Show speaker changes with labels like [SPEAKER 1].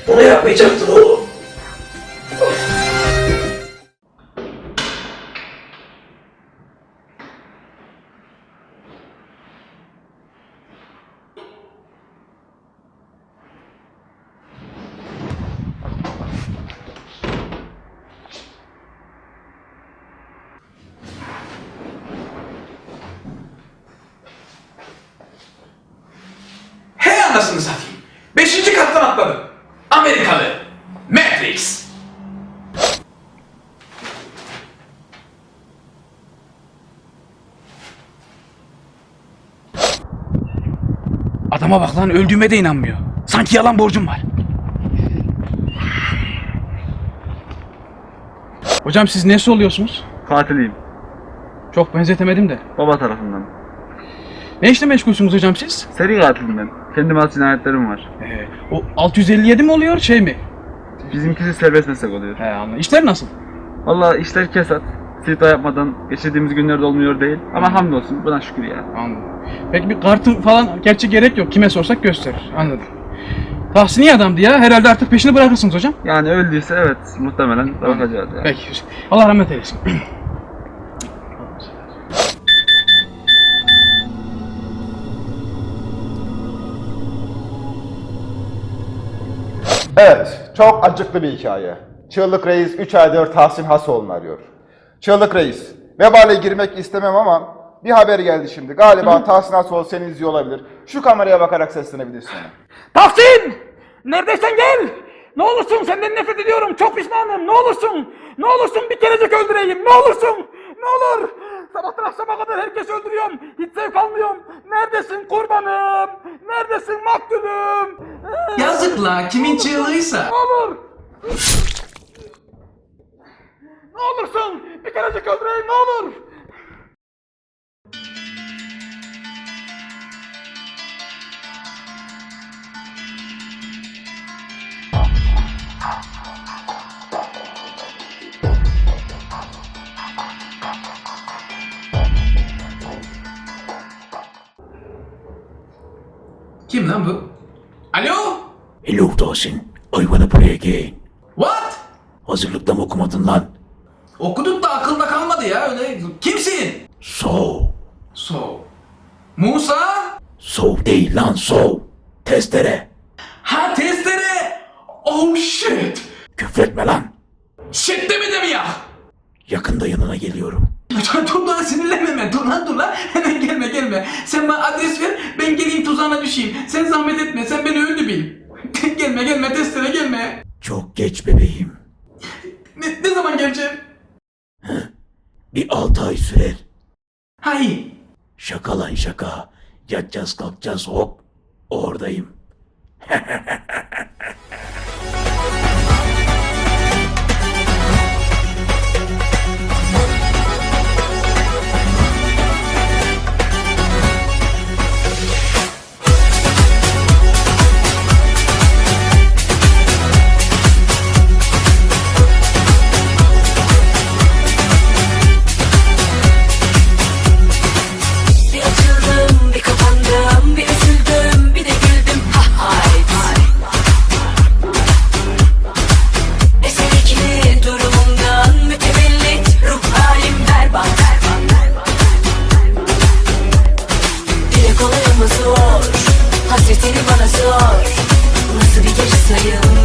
[SPEAKER 1] Bunu yapmayacaktın oğlum.
[SPEAKER 2] Hey anasını satayım. 5. kattan atladım. Amerikalı. Matrix.
[SPEAKER 3] Adama bak lan, öldüğüme de inanmıyor. Sanki yalan borcum var. Hocam siz nesi oluyorsunuz?
[SPEAKER 4] Katiliyim.
[SPEAKER 3] Çok benzetemedim de.
[SPEAKER 4] Baba tarafından.
[SPEAKER 3] Ne işle meşgulsünüz hocam siz?
[SPEAKER 4] Seri katilim ben. Kendime has cinayetlerim var.
[SPEAKER 3] O 657 mi oluyor, şey mi?
[SPEAKER 4] Bizimkisi serbest meslek oluyor.
[SPEAKER 3] He, anladım. İşler nasıl?
[SPEAKER 4] Valla işler kesat. Sita yapmadan geçirdiğimiz günlerde olmuyor değil. Ama hamdolsun buna şükür ya.
[SPEAKER 3] Anladım. Peki bir kartı falan, gerçi gerek yok. Kime sorsak gösterir. Anladım. Tahsini adamdı ya. Herhalde artık peşini bırakırsınız hocam.
[SPEAKER 4] Yani öldüyse evet muhtemelen bakacağız ya.
[SPEAKER 3] Peki. Allah rahmet eylesin.
[SPEAKER 5] Evet, çok acıklı bir hikaye. Çığlık Reis 3 aydır Tahsin Hasoğlu'nu arıyor. Çığlık Reis, vebale girmek istemem ama bir haber geldi şimdi. Galiba Tahsin Hasoğlu seni izliyor olabilir. Şu kameraya bakarak seslenebilirsin ona.
[SPEAKER 6] Tahsin! Neredeysen gel! Ne olursun senden nefret ediyorum, çok pişmanım, ne olursun! Ne olursun bir kerecik öldüreyim, ne olursun! Ne olur! Sabahtan akşama kadar herkes öldürüyorum, hiç zevk almıyorum. Neredesin kurbanım? Neredesin maktulüm?
[SPEAKER 2] Yazık la, kimin çığlığıysa.
[SPEAKER 6] Ne olur! Ne olursun bir kerecik öldüreyim, ne olur!
[SPEAKER 2] Kim lan bu? Alo?
[SPEAKER 1] Hello Tahsin. I wanna play again.
[SPEAKER 2] What?
[SPEAKER 1] Hazırlıkta mı okumadın lan?
[SPEAKER 2] Okuduk da akılda kalmadı ya öyle. Kimsin?
[SPEAKER 1] So.
[SPEAKER 2] So. Musa?
[SPEAKER 1] So değil lan so. Testere.
[SPEAKER 2] Ha testere. Oh shit.
[SPEAKER 1] Küfretme lan.
[SPEAKER 2] Shit demedi mi ya?
[SPEAKER 1] Yakında yanına geliyorum.
[SPEAKER 2] Dur lan sinirlenme hemen. Dur lan. Hemen gelme. Sen bana adres ver. Ben geleyim tuzağına düşeyim. Sen zahmet etme. Sen beni öldü bil. gelme testere gelme.
[SPEAKER 1] Çok geç bebeğim.
[SPEAKER 2] Ne zaman geleceğim?
[SPEAKER 1] Bir 6 ay sürer.
[SPEAKER 2] Hayır.
[SPEAKER 1] Şaka lan şaka. Yatacağız kalkacağız hop. Oradayım.
[SPEAKER 7] Bir açıldım, bir kapandım, bir üzüldüm, bir de güldüm. Ha hayt. Eser ikili durumumdan mütevellit, ruh halim berbat. Dile kolay ama zor, hasretini bana sor. Nasıl bir geri sayım?